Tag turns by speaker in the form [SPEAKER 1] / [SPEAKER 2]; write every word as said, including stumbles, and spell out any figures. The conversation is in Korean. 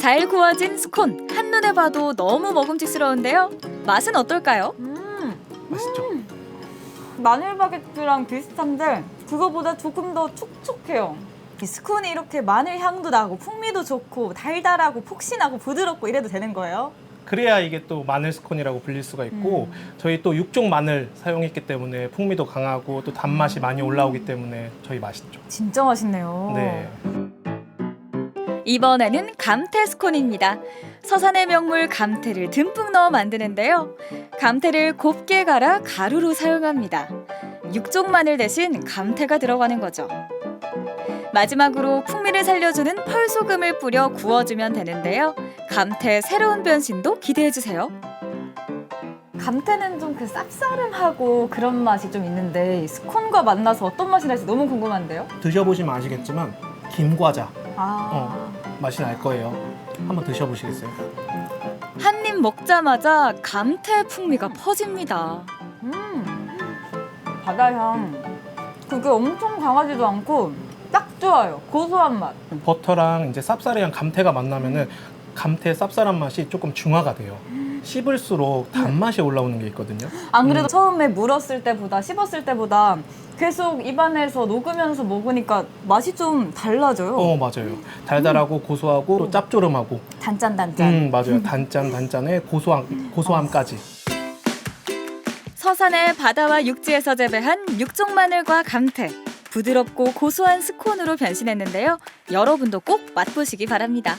[SPEAKER 1] 잘 구워진 스콘, 한눈에 봐도 너무 먹음직스러운데요. 맛은 어떨까요?
[SPEAKER 2] 음,
[SPEAKER 3] 맛있죠?
[SPEAKER 2] 마늘 바게트랑 비슷한데 그거보다 조금 더 촉촉해요. 이 스콘이 이렇게 마늘 향도 나고 풍미도 좋고 달달하고 폭신하고 부드럽고 이래도 되는 거예요?
[SPEAKER 3] 그래야 이게 또 마늘 스콘이라고 불릴 수가 있고
[SPEAKER 2] 음.
[SPEAKER 3] 저희 또 육종 마늘 사용했기 때문에 풍미도 강하고 또 단맛이 많이 올라오기 때문에 저희 맛있죠.
[SPEAKER 2] 진짜 맛있네요.
[SPEAKER 3] 네.
[SPEAKER 1] 이번에는 감태 스콘입니다. 서산의 명물 감태를 듬뿍 넣어 만드는데요. 감태를 곱게 갈아 가루로 사용합니다. 육종 마늘 대신 감태가 들어가는 거죠. 마지막으로 풍미를 살려주는 펄소금을 뿌려 구워주면 되는데요. 감태의 새로운 변신도 기대해주세요.
[SPEAKER 2] 감태는 좀 그 쌉싸름하고 그런 맛이 좀 있는데 이 스콘과 만나서 어떤 맛이 날지 너무 궁금한데요?
[SPEAKER 3] 드셔보시면 아시겠지만 김과자
[SPEAKER 2] 아,
[SPEAKER 3] 맛이 날 거예요. 한번 드셔보시겠어요?
[SPEAKER 1] 한 입 먹자마자 감태 풍미가 퍼집니다.
[SPEAKER 2] 음, 바다향. 그게 엄청 강하지도 않고 딱 좋아요. 고소한 맛.
[SPEAKER 3] 버터랑 이제 쌉싸래한 감태가 만나면은 감태의 쌉쌀한 맛이 조금 중화가 돼요. 씹을수록 단맛이 올라오는 게 있거든요.
[SPEAKER 2] 안 그래도
[SPEAKER 3] 음.
[SPEAKER 2] 처음에 물었을 때보다 씹었을 때보다 계속 입안에서 녹으면서 먹으니까 맛이 좀 달라져요.
[SPEAKER 3] 어 맞아요. 달달하고 고소하고 또 짭조름하고.
[SPEAKER 2] 단짠단짠.
[SPEAKER 3] 음 맞아요. 단짠 단짠의 고소함 고소함까지.
[SPEAKER 1] 서산의 바다와 육지에서 재배한 육종 마늘과 감태. 부드럽고 고소한 스콘으로 변신했는데요. 여러분도 꼭 맛보시기 바랍니다.